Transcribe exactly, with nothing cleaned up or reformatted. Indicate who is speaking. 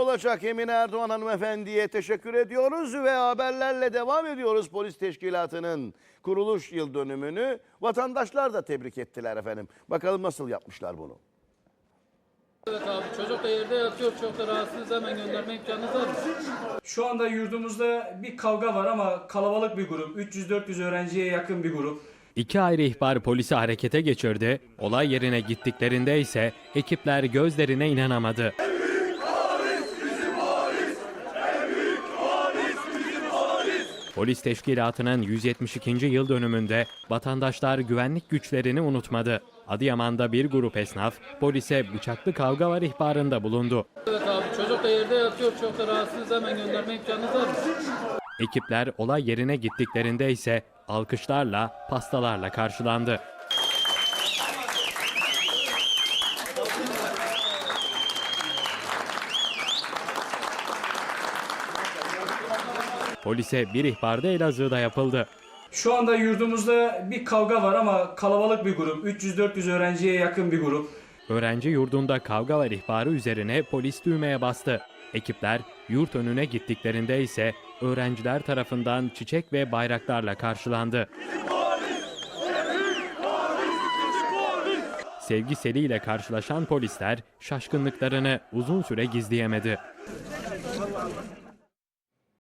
Speaker 1: olacak Emine Erdoğan hanımefendiye teşekkür ediyoruz ve haberlerle devam ediyoruz. Polis Teşkilatı'nın kuruluş yıl dönümünü vatandaşlar da tebrik ettiler efendim. Bakalım nasıl yapmışlar bunu.
Speaker 2: Evet abi, çocuk da yerde yatıyor, çok da rahatsız, hemen gönderme imkanınız var mı?
Speaker 3: Şu anda yurdumuzda bir kavga var ama kalabalık bir grup. üç yüz dört yüz öğrenciye yakın bir grup.
Speaker 4: İki ayrı ihbar polisi harekete geçirdi. Olay yerine gittiklerinde ise ekipler gözlerine inanamadı. Polis Teşkilatı'nın yüz yetmiş ikinci yıl dönümünde vatandaşlar güvenlik güçlerini unutmadı. Adıyaman'da bir grup esnaf polise bıçaklı kavga var ihbarında bulundu.
Speaker 2: Evet abi, çocuk da yerde yatıyor, çok da rahatsız, hemen gönderme imkanınız var mı?
Speaker 4: Ekipler olay yerine gittiklerinde ise alkışlarla, pastalarla karşılandı. Polise bir ihbar da Elazığ'da yapıldı.
Speaker 3: Şu anda yurdumuzda bir kavga var ama kalabalık bir grup. üç yüz dört yüz öğrenciye yakın bir grup.
Speaker 4: Öğrenci yurdunda kavga var ihbarı üzerine polis düğmeye bastı. Ekipler yurt önüne gittiklerinde ise öğrenciler tarafından çiçek ve bayraklarla karşılandı. Sevgi seliyle karşılaşan polisler şaşkınlıklarını uzun süre gizleyemedi.